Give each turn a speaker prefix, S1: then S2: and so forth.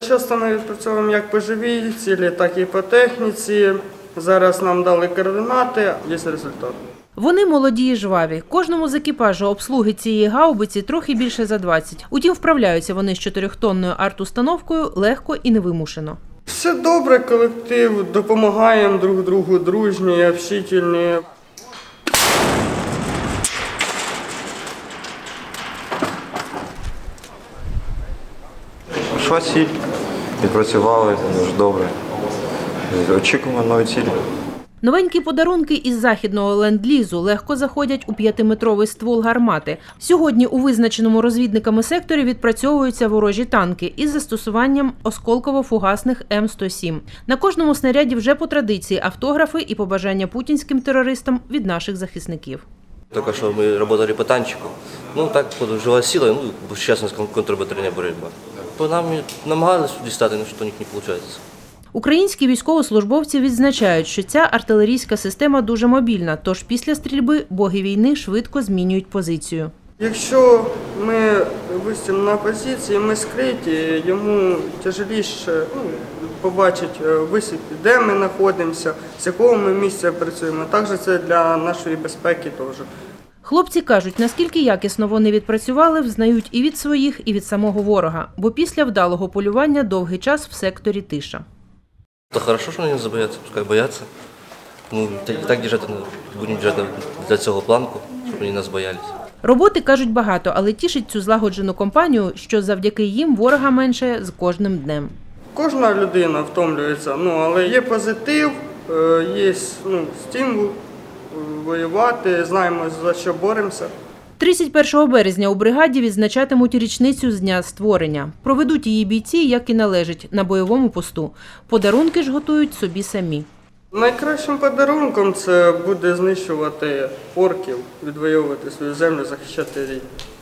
S1: Часто ми відпрацьовуємо як по живій цілі, так і по техніці. Зараз нам дали координати, є результат.
S2: Вони молоді і жваві. Кожному з екіпажу обслуги цієї гаубиці трохи більше за 20. Утім, вправляються вони з 4-тонною арт-установкою легко і невимушено.
S1: Все добре, колектив, допомагаємо друг другу, дружні, общительні.
S3: Прийшла ціль, відпрацювали дуже добре. Очікуємо нові цілі.
S2: Новенькі подарунки із західного ленд-лізу легко заходять у 5-метровий ствол гармати. Сьогодні у визначеному розвідниками секторі відпрацьовуються ворожі танки із застосуванням осколково-фугасних М107. На кожному снаряді вже по традиції автографи і побажання путінським терористам від наших захисників.
S4: Только что мы работали по танчику. Ну так подожила сила, ну сейчас у нас контрбатарейная боротьба. По нам намагались дістати, але що у них не виходить.
S2: Українські військовослужбовці відзначають, що ця артилерійська система дуже мобільна, тож після стрільби боги війни швидко змінюють позицію.
S1: Якщо ми висимо на позиції, ми скриті, йому тяжеліше побачити, висвітлити, де ми знаходимося, з якого ми місця працюємо. Також це для нашої безпеки теж.
S2: Хлопці кажуть, наскільки якісно вони відпрацювали, взнають і від своїх, і від самого ворога, бо після вдалого полювання довгий час в секторі тиша.
S4: То хорошо, що вони не забояться, пускай бояться. Ну, так будемо держати для цього планку, щоб вони нас боялися.
S2: Роботи, кажуть, багато, але тішить цю злагоджену компанію, що завдяки їм ворога менше з кожним днем.
S1: Кожна людина втомлюється, але є позитив, є стимул воювати, знаємо, за що боремося.
S2: 31 березня у бригаді відзначатимуть річницю з дня створення. Проведуть її бійці, як і належить, на бойовому посту. Подарунки ж готують собі самі.
S1: Найкращим подарунком це буде знищувати орків, відвоювати свою землю, захищати рідні.